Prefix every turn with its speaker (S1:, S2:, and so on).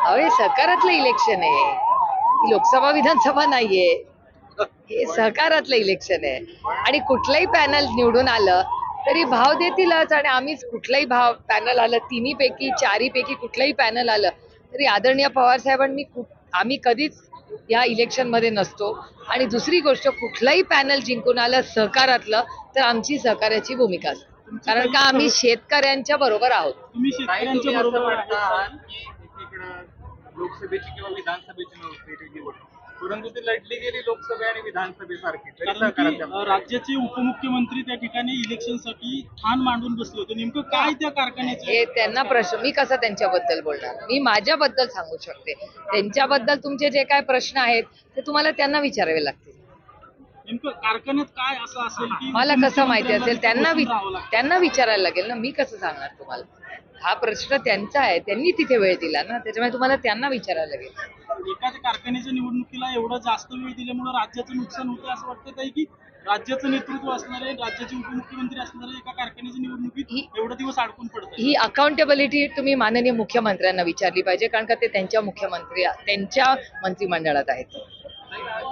S1: अहो हे सहकारातलं इलेक्शन आहे, ही लोकसभा विधानसभा नाहीये, हे सहकारातलं इलेक्शन आहे. आणि कुठलंही पॅनल निवडून आलं तरी भाव देतीलच. आणि आम्हीच कुठलंही भाव पॅनल आलं, तिन्ही पैकी चारी पैकी कुठलंही पॅनल आलं तरी आदरणीय पवार साहेबांनी आम्ही कधीच या इलेक्शन मध्ये नसतो. आणि दुसरी गोष्ट, कुठलंही पॅनल जिंकून आलं सहकारातलं तर आमची सहकार्याची भूमिका असते, कारण का आम्ही शेतकऱ्यांच्या बरोबर आहोत.
S2: तुम्ही शेतकऱ्यांच्या बरोबर आहात.
S3: लोकसभेची किंवा विधानसभेची निवड, परंतु ती लढली गेली लोकसभा आणि विधानसभेसारखी.
S2: कारण की राज्याचे उपमुख्यमंत्री त्या ठिकाणी इलेक्शनसाठी ठाण मांडून बसले होते. नेमकं काय त्या कारखान्याचे
S1: हे त्यांना प्रश्न, मी कसं त्यांच्याबद्दल बोलणार, मी माझ्याबद्दल सांगू शकते. त्यांच्याबद्दल तुमचे जे काय प्रश्न आहेत ते तुम्हाला त्यांना विचारावे लागतील.
S2: नेमकं कारखान्यात काय असं असेल की
S1: मला कसं माहिती असेल, त्यांना विचारायला लागेल ना, मी कसं सांगणार तुम्हाला. हा प्रश्न त्यांचा आहे, त्यांनी तिथे वेळ दिला ना, त्याच्यामुळे तुम्हाला त्यांना विचारायला लागेल.
S2: एकाच कारखान्याच्या निवडणुकीला एवढं जास्त वेळ दिल्यामुळे राज्याचं नुकसान होतं असं वाटतं ताई, की राज्याचं नेतृत्व असणारे, राज्याचे उपमुख्यमंत्री असणारे एका कारखान्याच्या निवडणुकीत एवढे दिवस अडकून पडतात?
S1: ही अकाउंटेबिलिटी तुम्ही माननीय मुख्यमंत्र्यांना विचारली पाहिजे, कारण का ते त्यांच्या मंत्रिमंडळात आहेत.